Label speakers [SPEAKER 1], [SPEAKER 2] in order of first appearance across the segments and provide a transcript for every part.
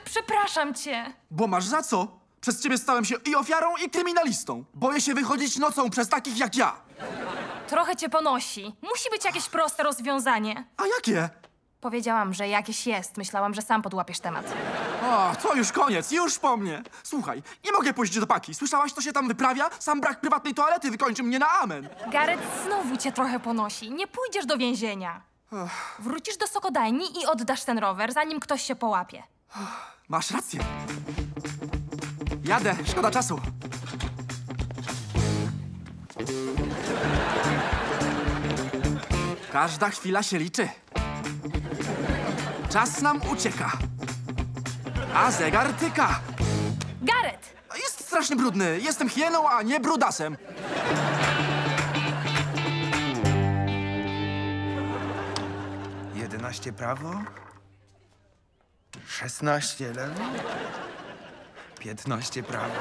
[SPEAKER 1] przepraszam cię.
[SPEAKER 2] Bo masz za co? Przez ciebie stałem się i ofiarą, i kryminalistą. Boję się wychodzić nocą przez takich jak ja.
[SPEAKER 1] Trochę cię ponosi. Musi być jakieś proste rozwiązanie.
[SPEAKER 2] A jakie?
[SPEAKER 1] Powiedziałam, że jakieś jest. Myślałam, że sam podłapiesz temat.
[SPEAKER 2] O, to już koniec, już po mnie. Słuchaj, nie mogę pójść do paki. Słyszałaś, co się tam wyprawia? Sam brak prywatnej toalety wykończy mnie na amen.
[SPEAKER 1] Gareth, znowu cię trochę ponosi. Nie pójdziesz do więzienia. Wrócisz do sokodajni i oddasz ten rower, zanim ktoś się połapie.
[SPEAKER 2] Masz rację. Jadę, szkoda czasu. Każda chwila się liczy. Czas nam ucieka. A zegar tyka.
[SPEAKER 1] Gareth!
[SPEAKER 2] Jest strasznie brudny. Jestem hieną, a nie brudasem.
[SPEAKER 3] Jedenaście prawo, 16 lewo, 15 prawo.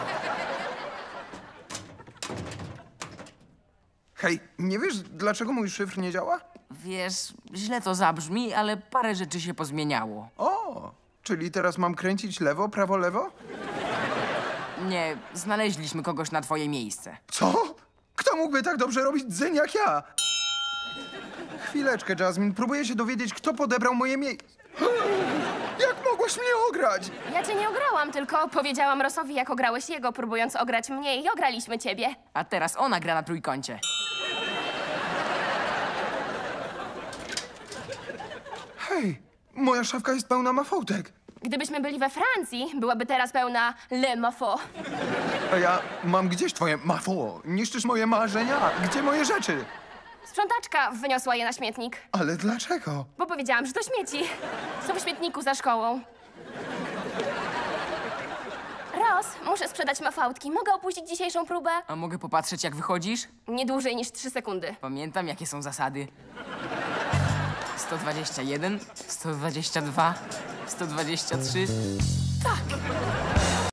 [SPEAKER 3] Hej, nie wiesz, dlaczego mój szyfr nie działa?
[SPEAKER 4] Wiesz, źle to zabrzmi, ale parę rzeczy się pozmieniało.
[SPEAKER 3] O, czyli teraz mam kręcić lewo, prawo, lewo?
[SPEAKER 4] Nie, znaleźliśmy kogoś na twoje miejsce.
[SPEAKER 3] Co? Kto mógłby tak dobrze robić dzyń jak ja? Chwileczkę, Jasmine. Próbuję się dowiedzieć, kto podebrał moje miejsce. Jak mogłaś mnie ograć?
[SPEAKER 5] Ja cię nie ograłam, tylko powiedziałam Rossowi, jak ograłeś jego, próbując ograć mnie i ograliśmy ciebie.
[SPEAKER 4] A teraz ona gra na trójkącie.
[SPEAKER 3] Hej, moja szafka jest pełna mafałtek.
[SPEAKER 5] Gdybyśmy byli we Francji, byłaby teraz pełna Le Mafo.
[SPEAKER 3] A ja mam gdzieś twoje mafo? Niszczysz moje marzenia? Gdzie moje rzeczy?
[SPEAKER 5] Sprzątaczka wyniosła je na śmietnik,
[SPEAKER 3] Ale dlaczego?
[SPEAKER 5] bo powiedziałam, że to śmieci. Są w śmietniku za szkołą. Ross, muszę sprzedać mafałtki. Mogę opuścić dzisiejszą próbę?
[SPEAKER 4] A mogę popatrzeć, jak wychodzisz?
[SPEAKER 5] Nie dłużej niż 3 sekundy.
[SPEAKER 4] Pamiętam, jakie są zasady. 121, 122, 123. Tak!